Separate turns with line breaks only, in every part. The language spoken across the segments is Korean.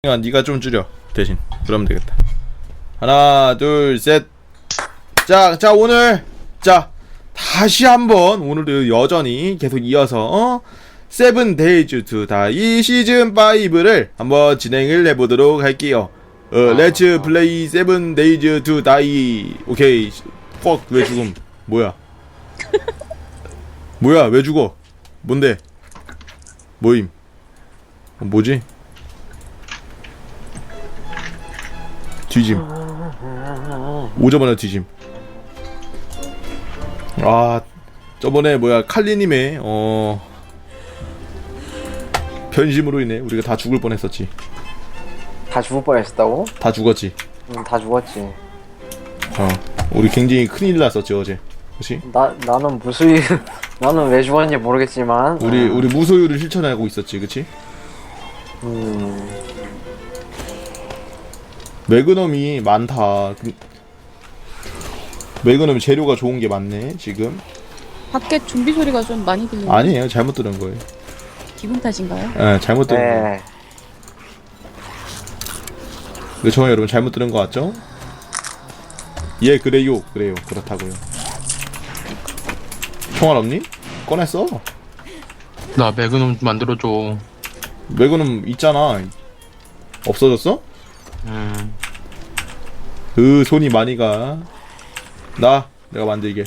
야, 네가 좀 줄여 대신. 그러면 되겠다. 하나 둘 셋. 자 오늘 다시 한번 오늘도 여전히 계속 이어서 세븐 데이즈 투 다이 시즌 5를 한번 진행을 해보도록 할게요. 렛츠 플레이 세븐 데이즈 투 다이. 오케이. 왜 죽음? 뭐야 왜 죽어? 뭔데? 뭐임? 뭐지? 뒤짐. 오자마자 뒤짐. 아, 저번에 칼리님의 변심으로 인해 우리가 다 죽을 뻔했었지.
다 죽을 뻔했었다고?
다 죽었지.
다 죽었지.
우리 굉장히 큰일 났었지 어제. 그렇지?
나는 무수히 나는 왜 죽었는지 모르겠지만
우리 무소유를 실천하고 있었지, 그렇지? 매그넘이 많다. 매그넘 재료가 좋은 게 많네 지금.
밖에 좀비 소리가 좀 많이 들리네요.
아니에요, 잘못 들은 거예요.
기분 탓인가요?
예, 잘못 들은 거예요.
네.
그렇죠, 여러분, 잘못 들은 거 같죠? 예, 그래요, 그렇다고요. 총알 없니? 꺼냈어.
나 매그넘 만들어줘.
매그넘 있잖아. 없어졌어?
음.
손이 많이 가. 내가 만들게.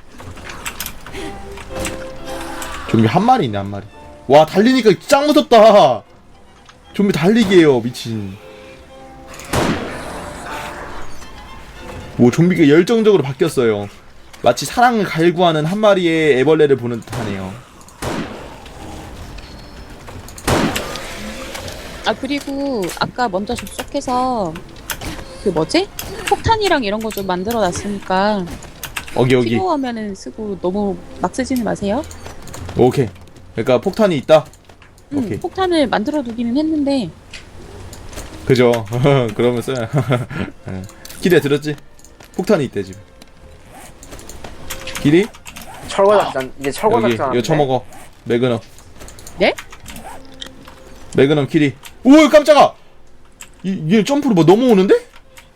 좀비 한 마리 있네, 한 마리. 와, 달리니까 짱 무섭다. 좀비 달리기 해요, 미친. 좀비가 열정적으로 바뀌었어요. 마치 사랑을 갈구하는 한 마리의 애벌레를 보는 듯하네요.
그리고 아까 먼저 접속해서 폭탄이랑 이런 거 좀 만들어 놨으니까
여기.
필요하면은 쓰고 너무 막 쓰지는 마세요.
오케이. 그러니까 폭탄이 있다. 오케이.
폭탄을 만들어 두기는 했는데.
그죠. 그러면 써야. 기대 들었지? 폭탄이 있대 지금. 길이?
철거 작전 이제 철거
여기
작전
이거 쳐먹어. 매그넘.
네?
매그넘 키리. 오, 깜짝아. 얘 점프로 넘어오는데?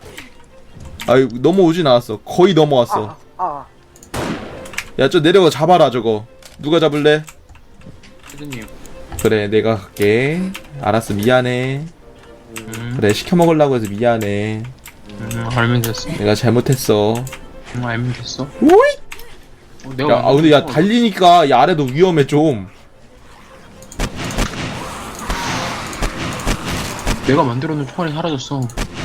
넘어오진 않았어. 거의 넘어왔어. 야, 저 내려가 잡아라 저거. 누가 잡을래?
피드님.
그래, 내가 갈게. 알았어, 미안해. 그래, 시켜 먹으려고 해서 미안해.
알면 됐어.
내가 잘못했어.
알면 됐어.
오이.
내가
근데 달리니까 이 아래도 위험해 좀.
내가 만들어놓은 총알이 사라졌어.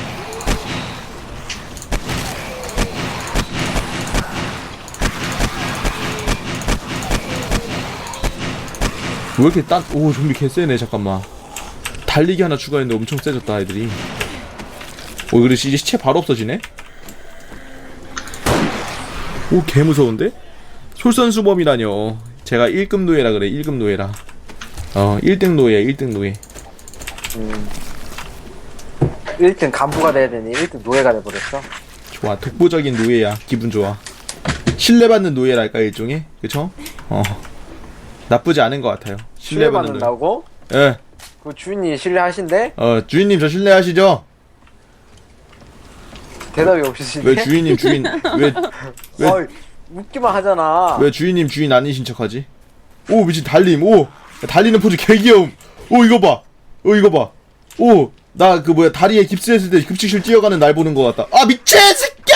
왜 이렇게 좀비 개쎄네. 잠깐만. 달리기 하나 추가했는데 엄청 세졌다 애들이. 그래, 이제 시체 바로 없어지네? 개무서운데? 솔선수범이라뇨. 제가 1급 노예라 그래. 1급 노예라. 1등 노예야, 1등 노예.
1등 간부가 돼야 되니 1등 노예가 돼버렸어.
좋아, 독보적인 노예야. 기분 좋아. 신뢰받는 노예랄까, 일종의. 그쵸? 나쁘지 않은 것 같아요. 신뢰받는 노예.
신뢰받는다고?
예.
그 주인이 신뢰하신대?
주인님 저 신뢰하시죠?
대답이 없으신데?
왜 주인님 왜
어이, 웃기만 하잖아.
왜 주인님 주인 아니신 척하지? 오, 미친 달림. 달리는 포즈 개 귀여움. 이거 봐. 이거 봐. 나 다리에 깁스했을 때 급식실 뛰어가는 날 보는 것 같다. 미친 새끼야!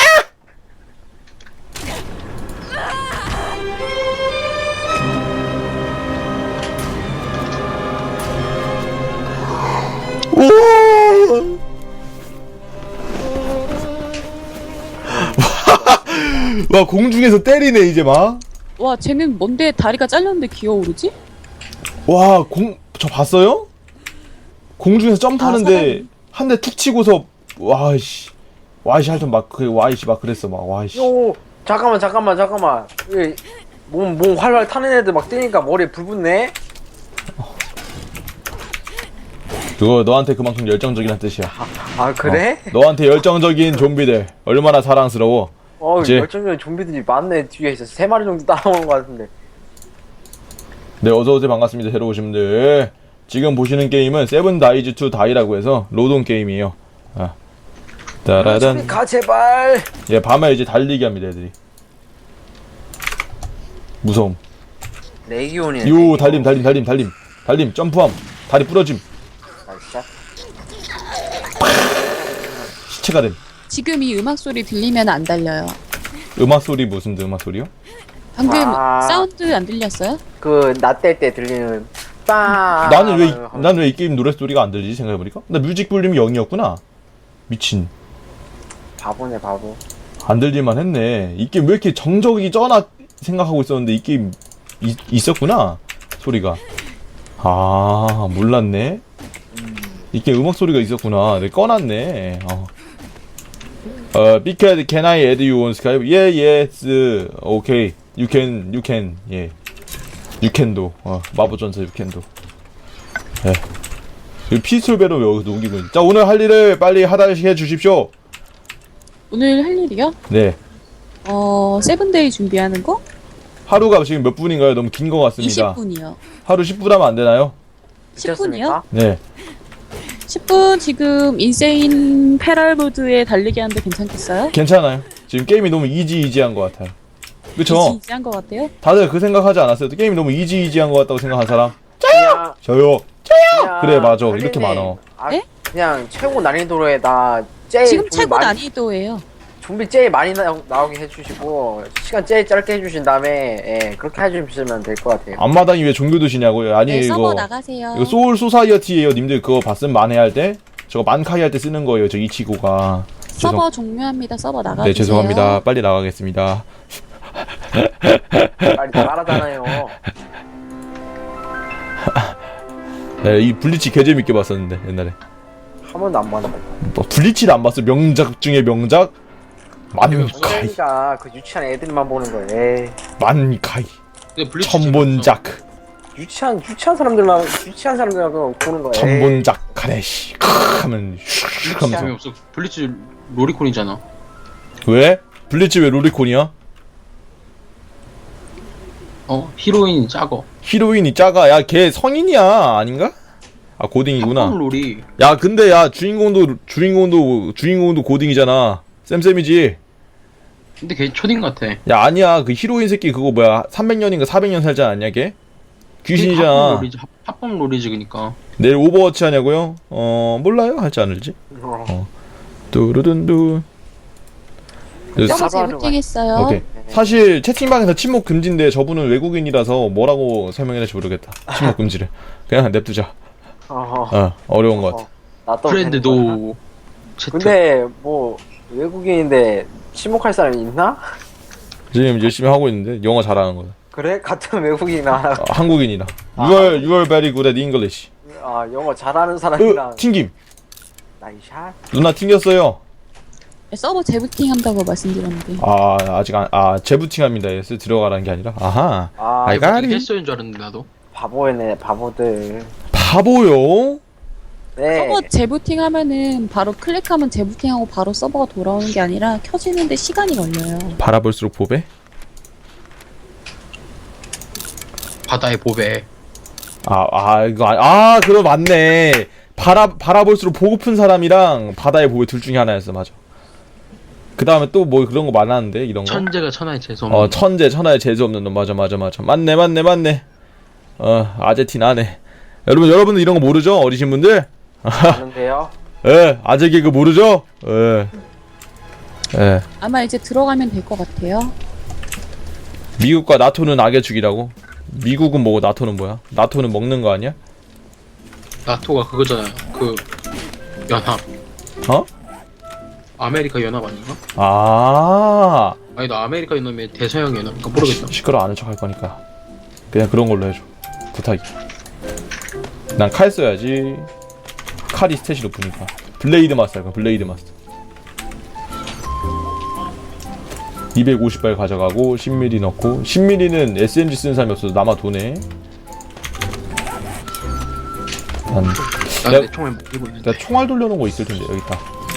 와, 공중에서 때리네 이제 막.
와, 쟤는 뭔데 다리가 잘렸는데 기어오르지?
와, 저 봤어요? 공중에서 점프하는데 한 대 툭 치고서 와이씨 하여튼 막 그랬어 막. 와이씨.
잠깐만. 몸 활활 타는 애들 막 뛰니까 머리에 불 붙네?
그거 너한테 그만큼 열정적이란 뜻이야.
그래?
너한테 열정적인 좀비들 얼마나 사랑스러워. 이제
열정적인 좀비들이 많네. 뒤에 있어 3마리 정도 따라오는 것 같은데.
네, 어서오세요. 반갑습니다. 새로 오신 분들. 지금 보시는 게임은 세븐 다이즈 투 다이라고 해서 로동 게임이에요. 아. 따라단.
가 제발.
예, 밤에 이제 달리기 합니다, 애들이. 무서움.
레기온이네.
요, 달림, 점프함, 다리 부러짐,
진짜?
시체가 됨.
지금 이 음악 소리 들리면 안 달려요.
음악 소리 무슨 음악 소리요?
방금
아.
사운드 안 들렸어요?
그 낮될 때 들리는 빵.
나는 왜 이 게임 노래 소리가 안 들리지 생각해보니까? 나 뮤직 볼륨이 0이었구나. 미친.
바보네 바보.
안 들릴만 했네. 이 게임 왜 이렇게 정적이 쩌나 생각하고 있었는데 이 게임 있었구나 소리가. 아 몰랐네. 이 게임 음악 소리가 있었구나. 내가 꺼놨네. Because can I add you on Skype? Yeah, yes. Okay. You can. 예. You can도. 마법전사 you can도. 예. 이 피스톨배로 왜 여기서 녹이고 있지? 자, 오늘 할 일을 빨리 하다시 해주십시오.
오늘 할 일이요?
네.
세븐데이 준비하는 거?
하루가 지금 몇 분인가요? 너무 긴 것 같습니다.
20분이요.
하루 10분 하면 안 되나요?
10분이요?
네.
10분 지금 인세인 패럴무드에 달리기 하는데 괜찮겠어요?
괜찮아요. 지금 게임이 너무 이지이지한 것 같아요. 그쵸?
이지한 것 같아요?
다들 그 생각하지 않았어요? 게임이 너무 이지이지한 것 같다고 생각한 사람?
그냥,
저요.
그냥
그래, 맞아.
할리님,
이렇게 많어.
네?
그냥 최고 난이도로에다 제일
지금
좀비
최고
많이-
난이도예요.
좀비 제일 많이 나오게 해주시고 시간 제일 짧게 해주신 다음에 예, 그렇게 해주시면 될 것 같아요.
앞마당이 왜 종교 드시냐고요? 아니
네, 서버
이거
나가세요.
이거 소울 소사이어티예요. 님들 그거 봤음 만회 할 때? 저거 만카이 할 때 쓰는 거예요. 저 이치고가.
서버 종료합니다. 서버 나가주세요.
네, 죄송합니다. 빨리 나가겠습니다.
빨리 나가라잖아요.
네, 이 블리치 개 재밌게 봤었는데 옛날에.
한 번도 안 봤는데.
뭐 블리치를 안 봤어? 명작 중에 명작? 만카이.
그러니까 그 유치한 애들만 보는 거예요. 에이.
만카이.
근데 블리치
천본작.
유치한 사람들만 보는 거예요.
천본작 카레시. 하면 슉
재밌어.
하면서.
없어. 블리치 로리콘이잖아.
왜? 블리치 왜 로리콘이야?
히로인이 작어.
히로인이 작아. 야, 걔 성인이야. 아닌가? 아, 고딩이구나.
팝콘 롤이
야, 근데 야, 주인공도 고딩이잖아. 쌤쌤이지.
근데 걔 초딩 같아.
야, 아니야. 그 히로인 새끼 그거 뭐야? 300년인가 400년 살지 않았냐, 걔? 귀신이잖아.
팝콘 롤이지 그니까.
내일 오버워치 하냐고요? 몰라요. 할지 않을지. 뚜루둔두.
서버
사바를
재부팅했어요.
오케이. 사실 채팅방에서 침묵 금지인데 저분은 외국인이라서 뭐라고 설명해야 될지 모르겠다. 침묵 금지를. 그냥 냅두자. 어려운 것 같아.
나도
프렌드도 채트.
근데 뭐 외국인인데 침묵할 사람이 있나?
지금 열심히 하고 있는데 영어 잘하는 거야.
그래? 같은 외국인이나
한국인이나. You are very good at English.
영어 잘하는 사람이랑
튕김.
나이샷.
누나 튕겼어요.
서버 재부팅 한다고 말씀드렸는데.
아직 재부팅합니다. 예스 들어가라는 게 아니라. 아하. I got it.
했어인 줄 알았는데 나도.
바보네 바보들.
바보요?
네.
서버 재부팅 하면은 바로 클릭하면 재부팅하고 바로 서버가 돌아오는 게 아니라 켜지는데 시간이 걸려요.
바라볼수록 보배?
바다의 보배.
그럼 맞네. 바라볼수록 보고픈 사람이랑 바다의 보배 둘 중에 하나였어. 맞아. 그 다음에 또 뭐 그런 거 많았는데 이런 거.
천재가 천하의 재수 없는.
천재 천하의 재수 없는 놈. 맞아. 맞네. 아제티나네. 여러분들 이런 거 모르죠? 어리신 분들?
아는데요?
아재 개그 모르죠?
아마 이제 들어가면 될 것 같아요.
미국과 나토는 악의 죽이라고? 미국은 뭐고 나토는 뭐야? 나토는 먹는 거 아니야?
나토가 그거잖아요. 그 연합. 아메리카 연합 아닌가? 아니 나 아메리카 연합의 대서양 연합인가 모르겠다.
시끄러 아는 척 할 거니까 그냥 그런 걸로 해줘. 부탁이. 난 칼 써야지. 칼이 스탯이 높으니까. 블레이드 마스터 할까? 블레이드 마스터. 250발 가져가고 10mm 넣고 10mm는 SMG 쓰는 사람이 없어서 남아 도네.
나내 총알 못 들고 있는데.
내가 총알 돌려놓은 거 있을 텐데. 여기 있다.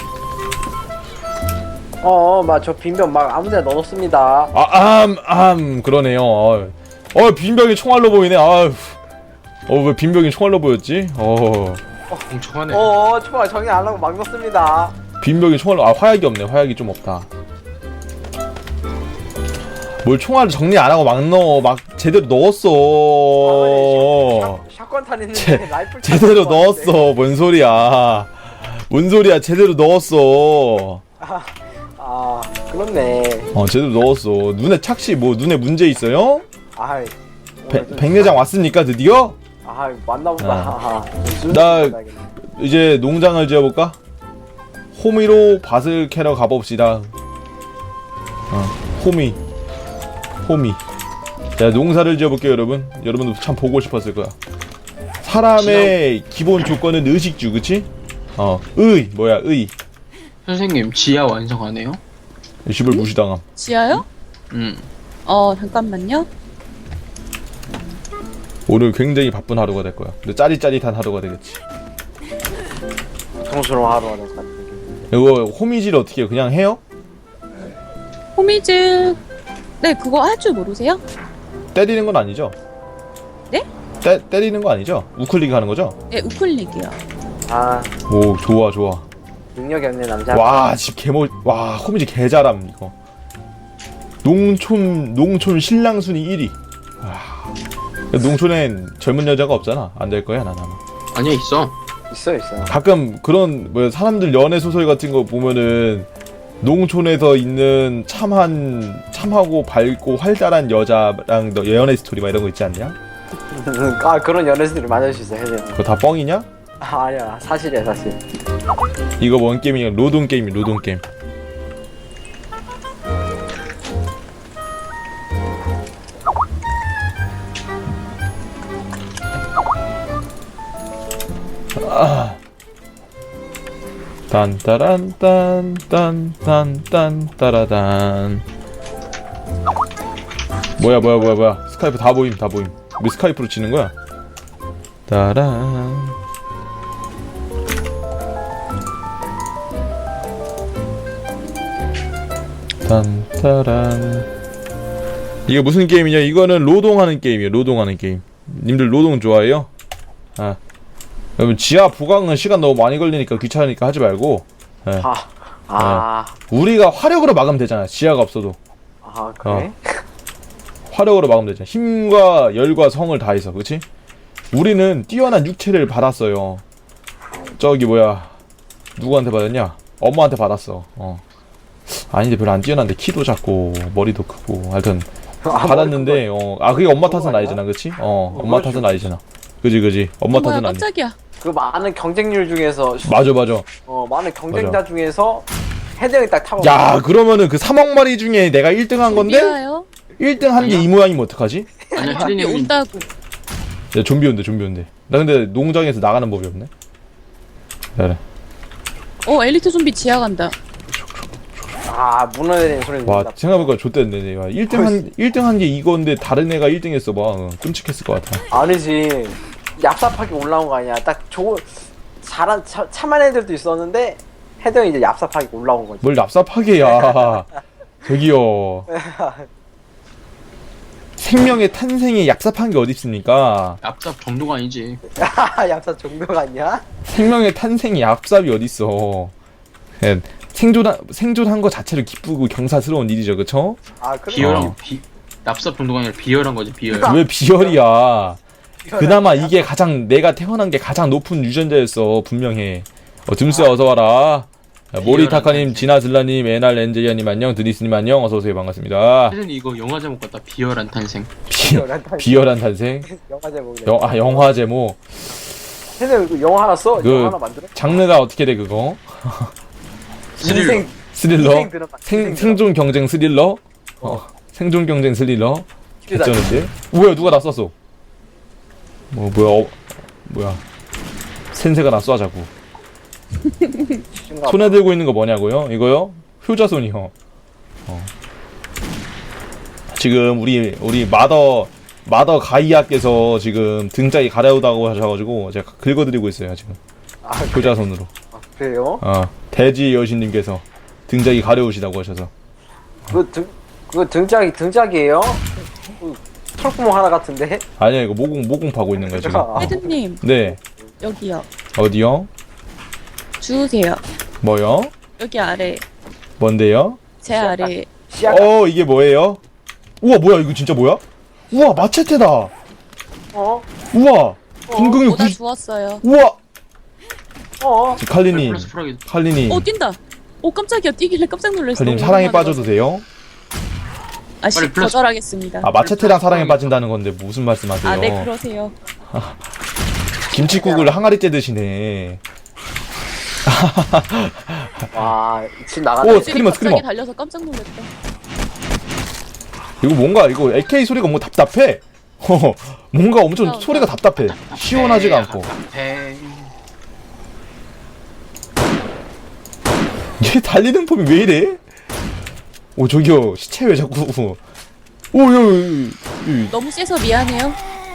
저 빈병 막 아무데나 넣어놓습니다.
그러네요. 빈병이 총알로 보이네. 왜 빈병이 총알로 보였지?
멍청하네.
초반 정리 안 하고 막 넣습니다.
빈병이 총알로 화약이 없네. 화약이 좀 없다. 뭘 총알을 정리 안 하고 막 넣어. 막 제대로 넣었어.
샷건 탄 있는데 라이플
제대로 넣었어. 뭔 소리야? 뭔 소리야? 제대로 넣었어.
그렇네.
제대로 넣었어. 눈에 착시 뭐 눈에 문제 있어요?
아이.
백내장 왔습니까 드디어?
맞나보다.
나 이제 농장을 지어볼까? 호미로 밭을 캐러 가봅시다. 호미. 자, 농사를 지어볼게요, 여러분. 여러분도 참 보고 싶었을 거야. 사람의 기본 조건은 의식주, 그치? 의.
선생님 지하 완성하네요.
집을 무시당함.
지하요?
음.
잠깐만요.
오늘 굉장히 바쁜 하루가 될 거야. 근데 짜릿짜릿한 하루가 되겠지.
고통스러운 하루가 될 것 같은 느낌.
이거 호미질 어떻게 해요? 그냥 해요?
호미질. 네, 그거 할 줄 모르세요?
때리는 건 아니죠?
네?
때리는 거 아니죠? 우클릭 하는 거죠?
네, 우클릭이요.
오, 좋아.
능력이 없는 남자.
와, 집 와, 호미질 개잘함, 이거. 농촌 신랑 순위 1위. 농촌엔 젊은 여자가 없잖아. 안 될 거야, 난 아마.
아니야 있어.
있어.
가끔 그런 사람들 연애 소설 같은 거 보면은 농촌에서 있는 참하고 밝고 활달한 여자랑 너 연애 스토리 막 이런 거 있지 않냐?
그런 연애들이 많을 수 있어. 해줘.
그거 다 뻥이냐?
아니야, 사실이야, 사실.
이거 뭔 게임이냐? 노동 게임이야, 노동 게임. 딴따란딴딴딴딴따라단. 뭐야 스카이프 다 보임. 왜 스카이프로 치는 거야? 따란. 딴따란. 이게 무슨 게임이냐? 이거는 로동하는 게임이에요. 로동하는 게임. 님들 로동 좋아해요? 여러분 지하 보강은 시간 너무 많이 걸리니까 귀찮으니까 하지 말고. 우리가 화력으로 막으면 되잖아. 지하가 없어도.
그래?
화력으로 막으면 되잖아. 힘과 열과 성을 다해서, 그치? 우리는 뛰어난 육체를 받았어요. 저기 누구한테 받았냐? 엄마한테 받았어. 아닌데 별로 안 뛰어난데 키도 작고 머리도 크고 하여튼 받았는데 그게 엄마 탓은 아니잖아, 그치? 엄마 탓은 아니잖아. 그지 엄마 탓은 아니.
깜짝이야.
그 많은 경쟁률 중에서
맞아.
많은 경쟁자 중에서 헤드형이 딱 타고.
야, 그러면은 그 3억 마리 중에 내가 1등 한 건데
미워요.
1등 한 게 이 모양이면 어떡하지?
아니야
밖에
헤드님
온다고.
야, 좀비 온대. 나 근데 농장에서 나가는 법이 없네. 그래.
엘리트 좀비 지하 간다.
무너내리는 소리.
와, 생각해보니까 좆됐네. 내가 1등 한 게 이건데 다른 애가 1등 했어 봐. 끔찍했을 것 같아.
아니지. 얍삽하게 올라온 거 아니야. 딱 참한 애들도 있었는데 헤드형이 이제 얍삽하게 올라온 거지.
뭘 얍삽하게야. 저기요. 생명의 탄생에 얍삽한 게 어디 있습니까?
얍삽 정도가 아니지.
얍삽 정도가 아니야?
생명의 탄생에 얍삽이 어디 있어? 생존한 거 자체로 기쁘고 경사스러운 일이죠, 그쵸?
그래.
비열한 얍삽 정도가 아니라 비열한 거지 비열.
왜 비열이야? 그나마 이게 가장 내가 태어난 게 가장 높은 유전자였어, 분명해. 듬스 어서 와라. 모리타카님, 지나슬라님, 에날 엔젤리아님 안녕, 드니스님 안녕, 어서 오세요, 반갑습니다.
헤드님 이거 영화 제목 같다. 비열한 탄생.
비열한 탄생.
영화 제목.
영화 제목.
헤드형 이거 영화 하나 써? 영화 하나 만들어?
장르가 어떻게 돼 그거? 스릴러? 생존 경쟁 스릴러? 생존 경쟁 스릴러? 괜찮은데? 뭐야, 누가 나 쐈어? 뭐야? 센세가 나 쏴자고. 손에 들고 있는 거 뭐냐고요? 이거요? 효자손이요. 지금 우리 마더 가이아께서 지금 등짝이 가려우다고 하셔가지고 제가 긁어드리고 있어요 지금. 효자손으로.
그래요?
대지 여신님께서 등짝이 가려우시다고 하셔서.
그거 등짝이에요? 털구멍 하나 같은데?
아니야 이거 모공 파고 있는 거야 지금.
헤드님
네.
여기요.
어디요?
주우세요.
뭐요?
여기 아래
뭔데요?
제 아래.
씨앗.
이게 뭐예요? 우와 뭐야 이거 진짜 뭐야? 우와 마체테다.
어?
우와 궁극이
오다
90.
주웠어요.
우와
어?
칼리님
플러스 프라기.
칼리님
뛴다. 오 깜짝이야. 뛰길래 깜짝 놀랐어.
칼리님
너무
사랑에
오랜만에
빠져도 돼요?
아씨
빨리 플러스-
거절하겠습니다.
아 마체테랑 사랑에 빠진다는 건데 무슨 말씀하세요?
아, 네 그러세요.
김치국을 항아리째 드시네.
와, 지금 나가네.
오,
애들이
스크리머,
갑자기
스크리머.
달려서 깜짝 놀랐다.
이거 뭔가 이거 AK 소리가 뭔가 답답해. 뭔가 엄청
나온다.
소리가 답답해. 시원하지가 않고.
배.
얘 달리는 폼이 왜 이래? 오 저기요 시체 왜 자꾸
너무 세서 미안해요.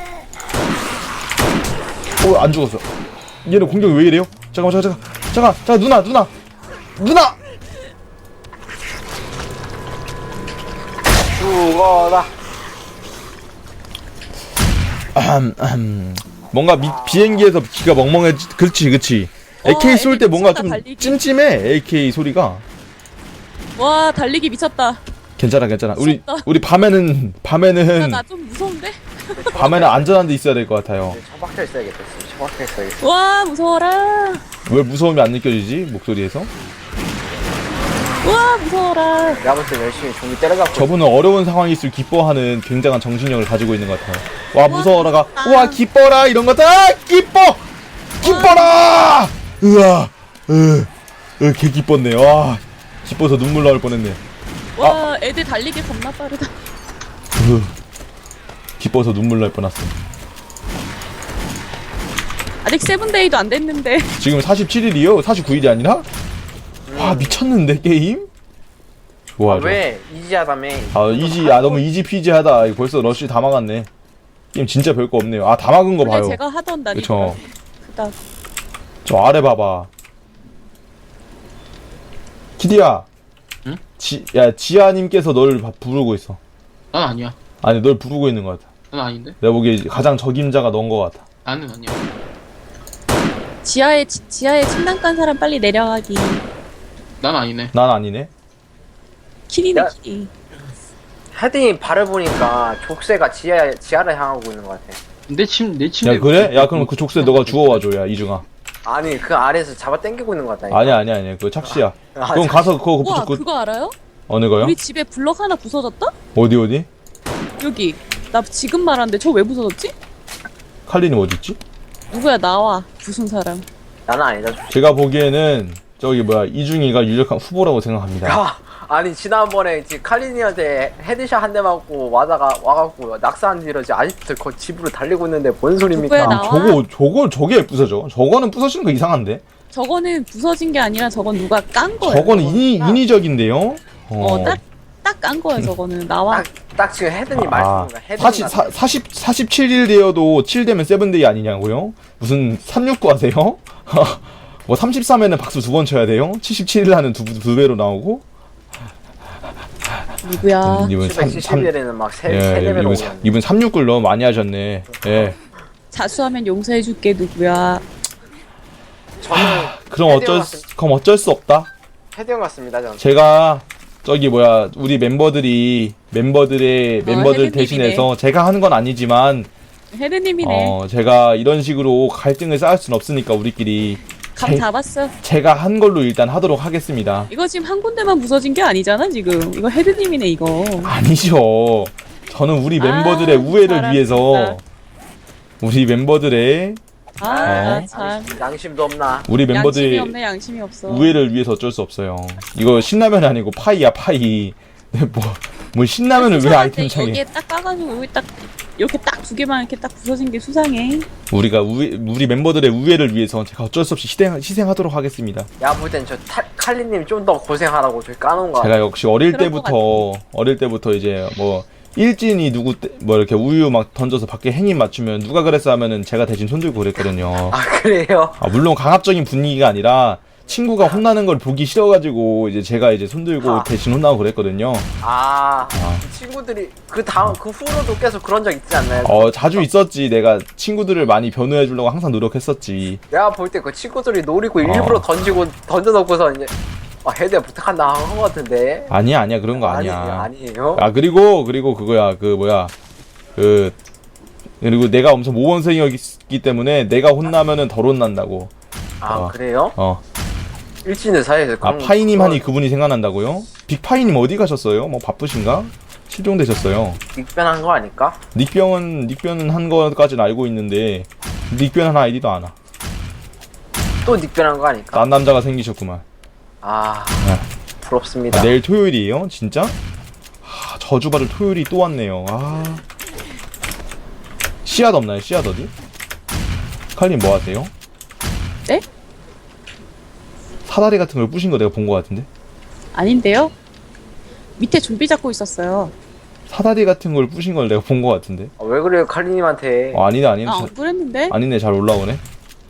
안 죽었어. 얘는 공격이 왜 이래요? 잠깐 누나
죽어라.
뭔가 비행기에서 귀가 멍멍해. 그렇지 AK 쏠 때
애들
뭔가
미쳤다,
좀
달리기.
찜찜해. AK 소리가.
와 달리기 미쳤다.
괜찮아
무섭다.
우리 밤에는
나 좀 무서운데?
안전한 데 있어야 될 것 같아요.
처박혀 있어야겠다. 처박혀 있어야겠다.
와 무서워라.
왜 무서움이 안 느껴지지 목소리에서?
와 무서워라.
내가 볼 때 열심히 종이 때려갖고.
저분은 어려운 상황이 있을 기뻐하는 굉장한 정신력을 가지고 있는 것 같아요. 와 무서워라가 와 기뻐라 이런 거다. 기뻐라. 으아 개 기뻤네. 와 기뻐서 눈물 나올 뻔했네.
와 애들 달리기 겁나 빠르다.
기뻐서 눈물 날 뻔했어.
아직 세븐데이도 안 됐는데.
지금 47일이요? 49일이 아니라? 와 미쳤는데 게임? 좋아 좋아.
왜? 이지하다며.
너무 이지 피지하다. 이거 벌써 러쉬 다 막았네. 게임 진짜 별거 없네요. 다 막은 거
원래
봐요.
제가 하던 날이
그쵸.
그다.
저 아래 봐봐. 키디야.
응?
지아님께서 널 부르고 있어.
난 아니야.
아니 널 부르고 있는 것 같아.
난 아닌데.
내가 보기에 가장 적임자가 넌 것 같아.
나는 아니야.
지하에 침낭 깐 사람 빨리 내려가기.
난 아니네.
난 아니네.
키리네
야.
키리.
헤딩이 발을 보니까 족쇄가 지하를 향하고 있는 것 같아.
내 침대.
야 그래? 야 그럼 그 족쇄 너가 주워와줘. 야 이중아.
아니, 그 아래에서 잡아 당기고 있는 것 같다니까.
아니야. 그거 착시야.
아,
그럼 가서 그거
와
그
그거 알아요?
어느 거요?
우리 집에 블럭 하나 부서졌다?
어디?
여기. 나 지금 말하는데 저 왜 부서졌지?
칼리님 어디 있지?
누구야 나와 부순 사람.
나는 아니다.
제가 보기에는 저기 이중이가 유력한 후보라고 생각합니다.
아니, 지난번에 칼리니한테 헤드샷 한 대 맞고 와갖고 낙사한 뒤로 아직도 그 집으로 달리고 있는데 뭔 소리입니까?
누구야, 나와?
저게 부서져? 저거는 부서지는 거 이상한데?
저거는 부서진 게 아니라 저건 누가 깐 거야.
저거는 인위적인데요?
딱 깐 거야 저거는. 나와.
딱 지금 헤드님 말씀인가? 헤드님
47일 되어도 7되면 세븐데이 아니냐고요? 무슨 369 하세요? 뭐 33에는 박수 2번 쳐야 돼요? 77일 하는 두 배로 나오고?
누구야?
이분
770일에는 막 세
예,
배로
이분 369를 너무 많이 하셨네. 예.
자수하면 용서해줄게 누구야?
저는
그럼 어쩔 수 없다.
헤드형 같습니다. 저는.
제가 우리 멤버들
헤드님이네.
대신해서 제가 하는 건 아니지만
헤드님이네.
제가 이런 식으로 갈등을 쌓을 순 없으니까 우리끼리
감 잡았어.
제가 한 걸로 일단 하도록 하겠습니다.
이거 지금 한 군데만 부서진 게 아니잖아 지금. 이거 헤드님이네 이거.
아니죠. 저는 우리 멤버들의 우애를
사람
위해서 우리 멤버들의
참.
양심도 없나?
우리
양심이
멤버들의
없네 양심이 없어.
우애를 위해서 어쩔 수 없어요. 이거 신라면이 아니고 파이야 파이. 뭐 신라면을 왜 아이템창에?
여기에 딱 까가지고 여기 딱 이렇게 딱 두 개만 이렇게 딱 부서진 게 수상해.
우리 멤버들의 우애를 위해서 제가 어쩔 수 없이 희생하도록 하겠습니다.
야, 볼 땐 저 칼리님 좀 더 고생하라고 저기 까놓은 거
제가
같아.
역시
그럴 것
어릴 때부터 이제 일진이 이렇게 우유 막 던져서 밖에 행인 맞추면 누가 그랬어 하면은 제가 대신 손들고 그랬거든요.
아, 그래요?
물론 강압적인 분위기가 아니라 친구가 혼나는 걸 보기 싫어가지고 이제 제가 이제 손들고
아.
대신 혼나고 그랬거든요.
그 친구들이 그 다음 그 후로도 계속 그런 적 있지 않나요?
자주 있었지. 내가 친구들을 많이 변호해 주려고 항상 노력했었지.
내가 볼 때 그 친구들이 노리고 일부러 던져놓고서 이제 헤드야 부탁한다 한 거 같은데.
아니야 그런 거 아니야.
아니에요.
그리고 그거야 그리고 내가 엄청 모범생이었기 때문에 내가 혼나면은 덜 혼난다고.
그래요? 일진의 사이에서
파이님 하니 그분이 생각난다고요? 빅파이님 어디 가셨어요? 뭐 바쁘신가? 실종되셨어요.
닉변한 거 아닐까?
닉변은 한 거까지는 알고 있는데 닉변한 아이디도 안 와.
또 닉변한 거 아닐까?
딴 남자가 생기셨구만.
부럽습니다.
내일 토요일이에요? 진짜? 저주받을 토요일이 또 왔네요. 씨앗 없나요? 씨앗 어디? 칼님 뭐 하세요?
네?
사다리 같은 걸 부신 거 내가 본 거 같은데?
아닌데요? 밑에 좀비 잡고 있었어요.
사다리 같은 걸 부신 걸 내가 본 거 같은데?
왜 그래요 칼리님한테?
아니네
안 그랬는데?
아니네. 잘 올라오네.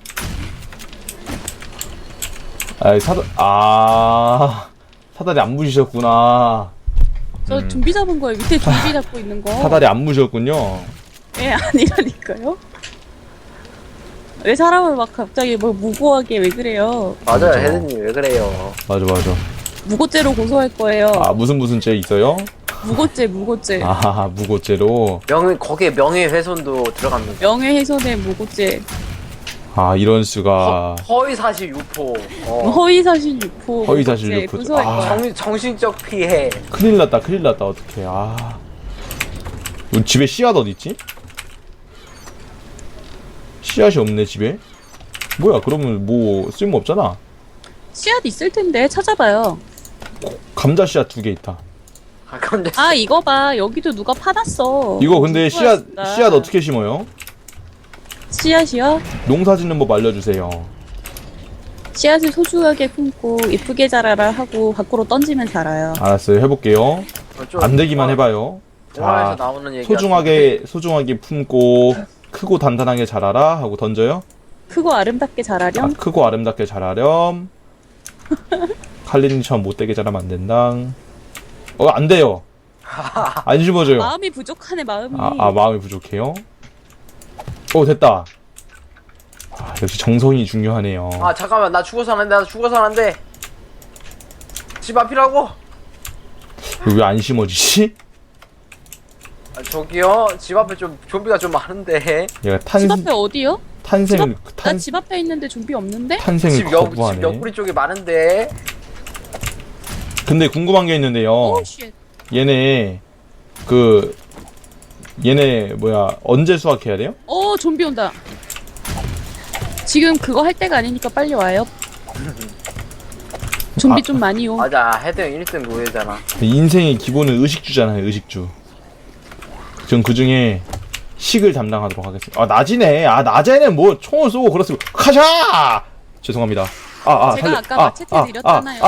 사다리 안 부시셨구나.
저 좀비 잡은 거예요. 밑에 좀비 잡고 있는 거.
사다리 안 부셨군요.
예, 아니라니까요. 왜 사람을 막 갑자기 뭐 무고하게 왜 그래요?
맞아요
맞아.
헤드님 왜 그래요?
맞아.
무고죄로 고소할 거예요.
무슨 죄 있어요?
무고죄.
무고죄로.
거기에 명예훼손도 들어갑니다.
명예훼손의 무고죄.
이런 수가.
허위사실 유포.
허위사실 유포.
허위사실
무고죄
유포.
고소할 거야.
정신적 피해.
큰일 났다. 어떡해. 우리 집에 씨앗 어딨지? 씨앗이 없네 집에. 뭐야 그러면 뭐 쓸모없잖아.
씨앗 있을 텐데 찾아봐요.
감자 씨앗 2개 있다.
근데
이거 봐. 여기도 누가 파놨어.
이거 근데 씨앗
누구였을까?
어떻게 심어요?
씨앗이요?
농사 짓는 법 알려주세요.
씨앗을 소중하게 품고 이쁘게 자라라 하고 밖으로 던지면 자라요.
알았어요. 해볼게요. 안 되기만 해봐요.
영화에서
자,
나오는 얘기.
소중하게 품고 크고 단단하게 자라라 하고 던져요.
크고 아름답게 자라렴.
크고 아름답게 자라렴. 칼린처럼 못되게 자라면 안 된다. 안 돼요. 안 심어져요.
마음이 부족하네 마음이.
마음이 부족해요. 됐다. 역시 정성이 중요하네요.
잠깐만 나 죽어서 안 돼. 집 앞이라고?
왜 안 심어지지?
저기요 집 앞에 좀 좀비가 좀 많은데.
얘가
집 앞에 어디요?
탄생을
나 집 앞에 있는데 좀비 없는데?
탄생을
집
거부하네.
옆구리 쪽에 많은데.
근데 궁금한 게 있는데요.
오 쉣.
얘네 언제 수확해야 돼요?
좀비 온다. 지금 그거 할 때가 아니니까 빨리 와요. 좀비 좀 많이 오.
맞아 헤드 형 1등 노예잖아.
인생의 기본은 의식주잖아요. 의식주. 전 그중에 식을 담당하도록 하겠습니다. 낮이네. 낮에는 뭐 총을 쏘고 그렇습니다 카샤! 죄송합니다.
제가 아까 마체테 드렸잖아요.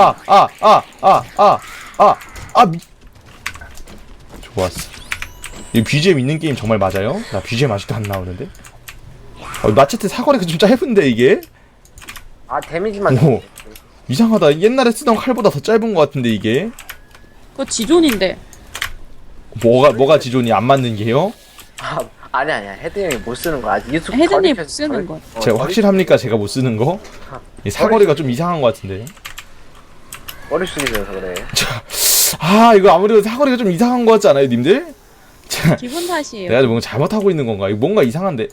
좋았어. 이 BGM 있는 게임 정말 맞아요? 나 BGM 아직도 안 나오는데? 마체테 사거리가 좀 짧은데 이게?
데미지만.
이상하다. 옛날에 쓰던 칼보다 더 짧은 것 같은데 이게?
그거 지존인데.
뭐가 지존이 안 맞는 게요?
아니야 헤드 형이 못 쓰는 거야. 아직 유튜브
헤드님 못 쓰는 거.
제가 확실합니까? 제가 못 쓰는 거? 이 사거리가 좀 이상한 것 같은데.
머릿속이 돼서 그래.
이거 아무래도 사거리가 좀 이상한 것 같지 않아요, 님들?
기분 탓이에요.
내가 뭔가 잘못하고 있는 건가? 이거 뭔가 이상한데.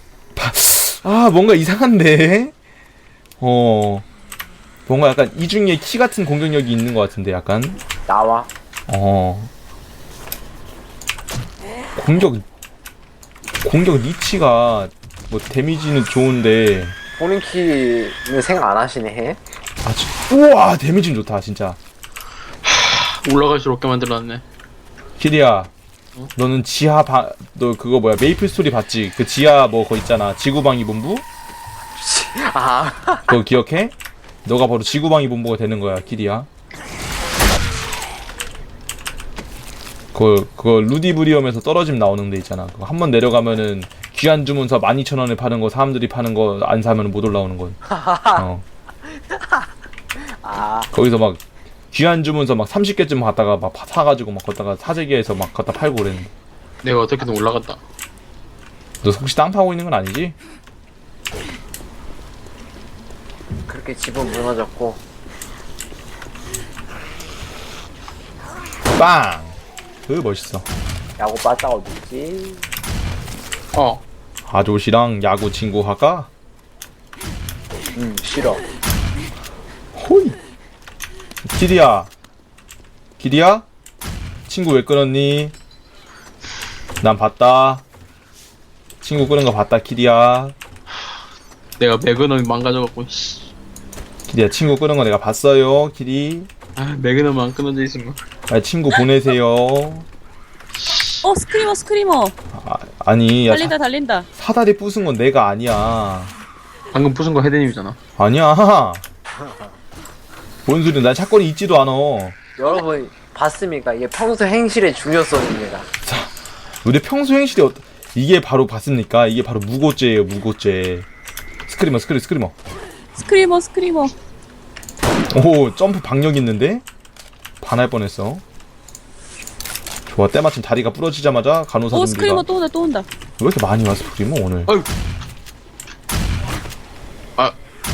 뭔가 이상한데. 뭔가 약간 이중에 키 같은 공격력이 있는 것 같은데, 약간.
나와.
공격 니치가 뭐 데미지는 좋은데.
본인 키는 생각 안 하시네.
우와, 데미지는 좋다, 진짜.
올라갈 수 없게 만들어놨네.
키리야, 너는 너 그거 뭐야, 메이플 스토리 봤지? 그 지하 뭐 거 있잖아, 지구방위 본부? 그거 기억해? 너가 바로 지구방위 본부가 되는 거야, 키리야. 그거 루디브리엄에서 떨어짐 나오는 데 있잖아. 그거 한 번 내려가면은 귀한 주문서 12,000원에 파는 거, 사람들이 파는 거 안 사면 못 올라오는 건.
아,
거기서 막 귀한 주문서 막 30개쯤 갔다가 막 사가지고 막 걷다가 사재기에서 막 갖다 팔고 그랬는데.
내가 어떻게든 올라갔다.
너 혹시 땅 파고 있는 건 아니지?
그렇게 집은 무너졌고.
빵! 멋있어.
야구 빠따 어딨지?
어.
아저씨랑 야구 친구 할까?
싫어.
호이! 기리야! 기리야? 친구 왜 끊었니? 난 봤다. 친구 끊은 거 봤다, 기리야.
내가 매그넘이 망가져갖고 씨.
기리야, 친구 끊은 거 내가 봤어요, 기리.
아, 매그넘 안 끊어져 있으면.
아, 친구 보내세요.
스크리머.
아니, 야,
달린다, 달린다.
사다리 부순 건 내가 아니야.
방금 부순 거 헤드님이잖아.
아니야. 뭔 소리야, 난 사건이 있지도 않아.
여러분 봤습니까? 이게 평소 행실의 중요성입니다.
우리 평소 행실이 이게 바로 봤습니까? 이게 바로 무고죄예요, 무고죄. 스크리머.
스크리머.
오, 점프 박력 있는데? 반할 뻔했어. 좋아, 때마침 다리가 부러지자마자 간호사 준비가.
스크리머 또 온다.
왜 이렇게 많이 왔어, 스크리머 오늘?
어이. 아,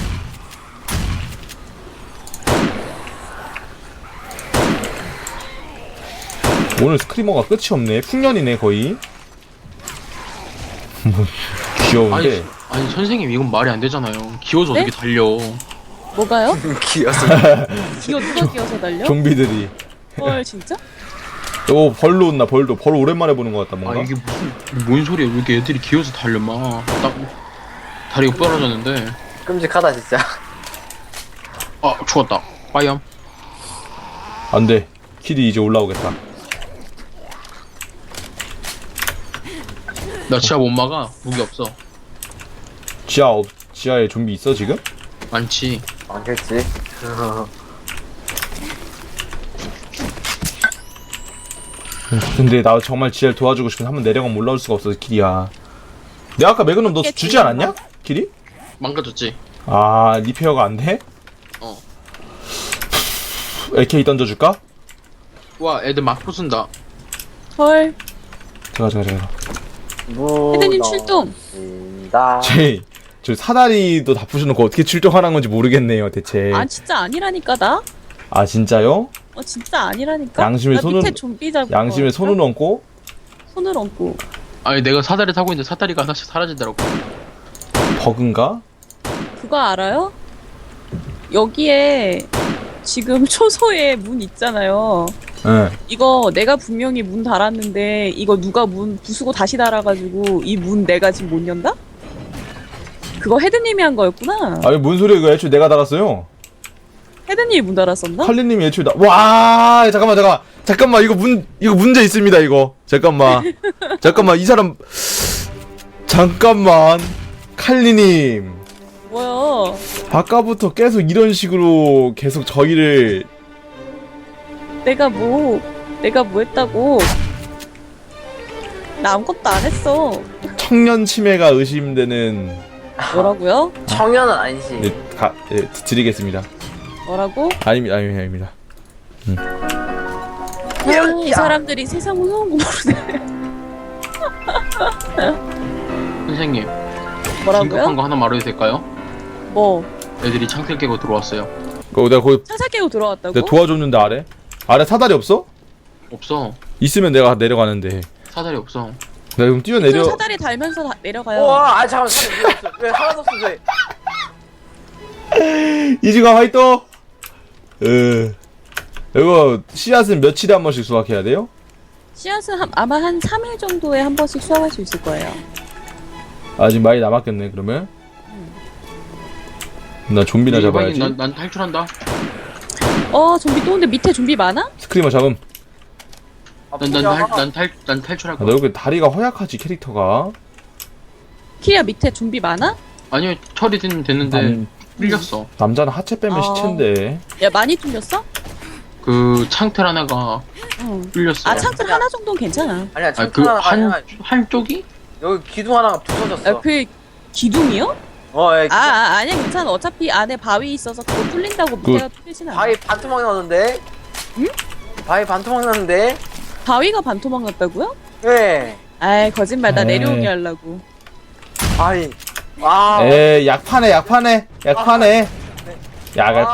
오늘 스크리머가 끝이 없네. 풍년이네, 거의. 뭐, 귀여운데.
아니 선생님 이건 말이 안 되잖아요. 기어서
네?
어떻게 달려?
뭐가요?
기어서.
누가 끼어서 달려?
좀비들이.
헐, 진짜?
오, 벌로 온나, 벌도. 벌 오랜만에 보는 것 같다,
아
뭔가.
이게 뭔 소리야? 왜 이렇게 애들이 기어서 달려 막. 딱 다리가 부러졌는데.
끔찍하다 진짜.
아 죽었다. 빠이엄.
안 돼. 키디 이제 올라오겠다.
나 지하 못 막아. 무기 없어.
지하에 좀비 있어, 지금?
많지.
많겠지.
근데 나 정말 지하를 도와주고 싶은데 한번 내려가면 올라올 수가 없어서 키디야. 내가 아까 매그넘 너 주지 않았냐? 키디?
망가졌지.
아, 리페어가 안 돼?
어.
AK 던져줄까?
와 애들 막 부순다.
헐.
제가.
헤드님 출동.
다
저 사다리도 다 부셔놓고 어떻게 출동하는 건지 모르겠네요, 대체.
진짜 아니라니까, 나?
아, 진짜요?
진짜 아니라니까?
양심에
나
손을-
밑에 좀비 잡고.
양심에 손을 얹고?
손을 얹고.
아니 내가 사다리 타고 있는데 사다리가 하나씩 사라지더라고.
버그인가?
그거 알아요? 여기에 지금 초소에 문 있잖아요.
응.
이거 내가 분명히 문 달았는데 이거 누가 문 부수고 다시 달아가지고 이 문 내가 지금 못 연다? 그거 헤드님이 한 거였구나.
아니, 뭔 소리야, 이거 애초에 내가 달았어요.
헤드님이 문 달았었나?
칼리님이 애초에 와, 잠깐만, 이거 문제 있습니다, 이거. 잠깐만, 이 사람, 잠깐만. 칼리님.
뭐야?
아까부터 계속 이런 식으로 계속 저희를
내가 뭐 했다고? 나 아무것도 안 했어.
청년 치매가 의심되는
뭐라고요?
청년은 아니지.
드리겠습니다.
뭐라고?
아닙니다.
이 사람들이 세상 무서운 거 모르네.
선생님. 긴급한
뭐라고요?
거 하나 말해도 될까요?
뭐?
애들이 창틀 깨고 들어왔어요.
내가 거기
차사 깨고 들어왔다고?
내가 도와줬는데 아래 사다리 없어?
없어.
있으면 내가 내려가는데.
사다리 없어.
내가 그럼 뛰어내려.
저 사다리 달면서 내려가요.
우와, 잠깐만, 왜 하나도 없어, 왜?
이지가 화이ト. 이거 씨앗은 며칠에 한 번씩 수확해야 돼요?
씨앗은 아마 한 3일 정도에 한 번씩 수확할 수 있을 거예요.
아직 많이 남았겠네 그러면. 나 좀비나 잡아야지.
난 탈출한다.
좀비 또 온데 밑에 좀비 많아?
스크리머 잡음.
난 탈출할
너
거야.
여기 다리가 허약하지 캐릭터가.
키야 밑에 좀비 많아?
아니요 처리 됐는데 뚫렸어.
남자는 하체 빼면 시체인데.
야 많이 뚫렸어?
그 창틀 하나가
응.
뚫렸어.
창틀 하나 정도는 괜찮아.
아니야,
그
창틀 하나.
한 쪽이?
여기 기둥 하나가 부서졌어.
그 기둥이요?
예,
아니야 괜찮아. 어차피 안에 바위 있어서 그거 뚫린다고 밑에가 뚫리진 않아.
바위 반토막 났는데?
응?
바위 반토막 났는데?
바위가 반토막 났다고요?
예.
아이 거짓말. 나
에이.
내려오게 하려고.
바위. 아.
에 약파네. 약을